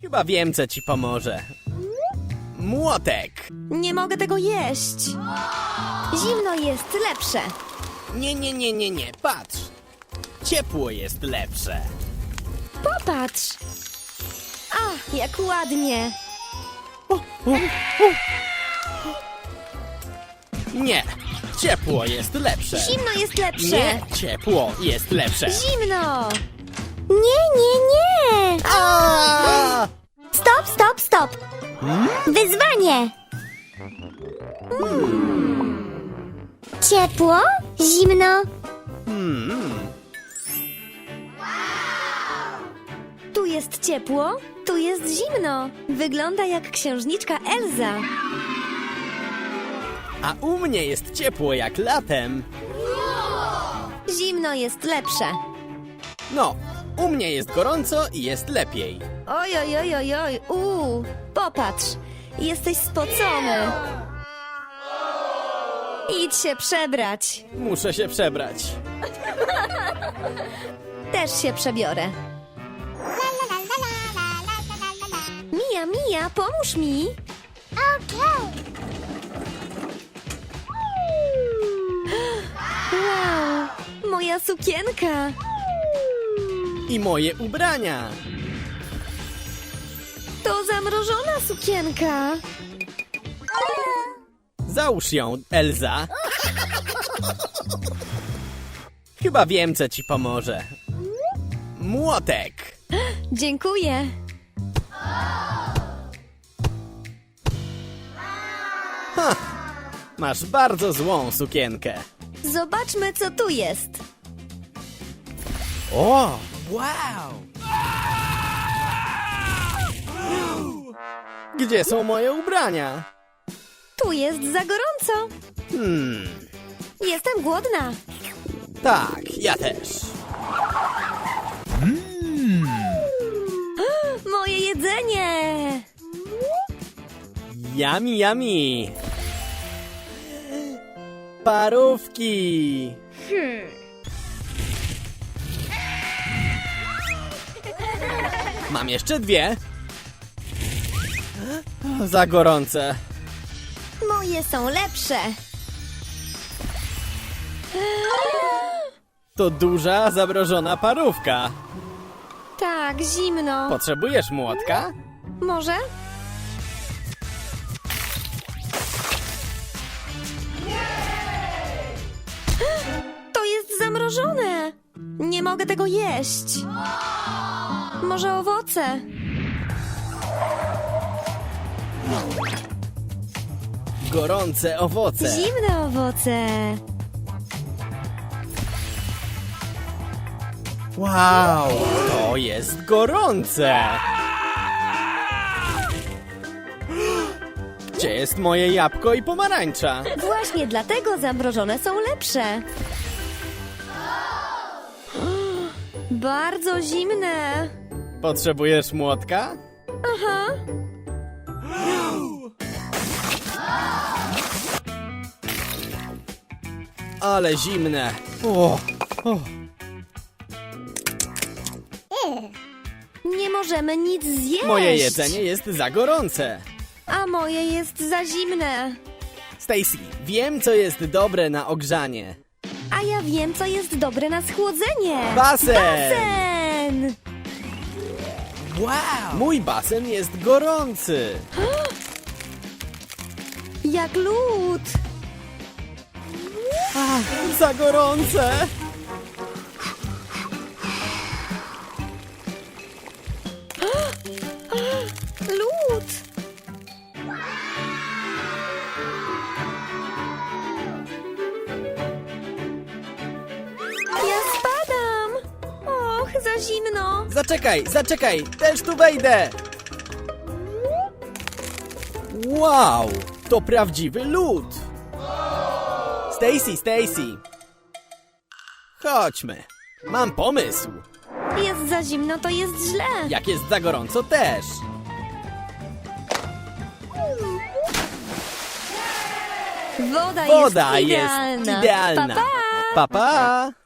Chyba wiem, co ci pomoże. Młotek! Nie mogę tego jeść. Zimno jest lepsze. Nie, patrz. Ciepło jest lepsze. Popatrz. A, jak ładnie. Nie, ciepło jest lepsze. Zimno jest lepsze. Nie, ciepło jest lepsze. Zimno. Nie. A! Stop. Wyzwanie. Ciepło, zimno. Tu jest ciepło, tu jest zimno. Wygląda jak księżniczka Elza. A u mnie jest ciepło jak latem. Zimno jest lepsze. No, u mnie jest gorąco i jest lepiej. Oj. Popatrz, jesteś spocony. Idź się przebrać. Muszę się przebrać. Też się przebiorę. Mija, pomóż mi. Wow, moja sukienka. I moje ubrania. To zamrożona sukienka. Załóż ją, Elza. Chyba wiem, co ci pomoże. Młotek. Dziękuję. Masz bardzo złą sukienkę. Zobaczmy, co tu jest. O, wow! Gdzie są moje ubrania? Tu jest za gorąco. Jestem głodna. Tak, ja też. Moje jedzenie. Yummy. Parówki. Mam jeszcze 2. Za gorące. Moje są lepsze. To duża, zamrożona parówka. Tak, zimno. Potrzebujesz młotka? Może? To jest zamrożone. Nie mogę tego jeść. Może owoce? Gorące owoce. Zimne owoce. Wow, to jest gorące. Gdzie jest moje jabłko i pomarańcza? Właśnie dlatego zamrożone są lepsze. Bardzo zimne. Potrzebujesz młotka? Aha. Ale zimne. Nie możemy nic zjeść. Moje jedzenie jest za gorące. A moje jest za zimne. Stacy, wiem, co jest dobre na ogrzanie. A ja wiem, co jest dobre na schłodzenie. Basen! Basen! Wow! Mój basen jest gorący. Jak lód. Za gorące. Lód. Ja spadam. Och, za zimno. Zaczekaj, też tu wejdę. Wow, to prawdziwy lód. Stacy. Chodźmy. Mam pomysł. Jest za zimno, to jest źle. Jak jest za gorąco też. Woda Woda jest jest idealna. idealna. Pa, pa. Pa, pa.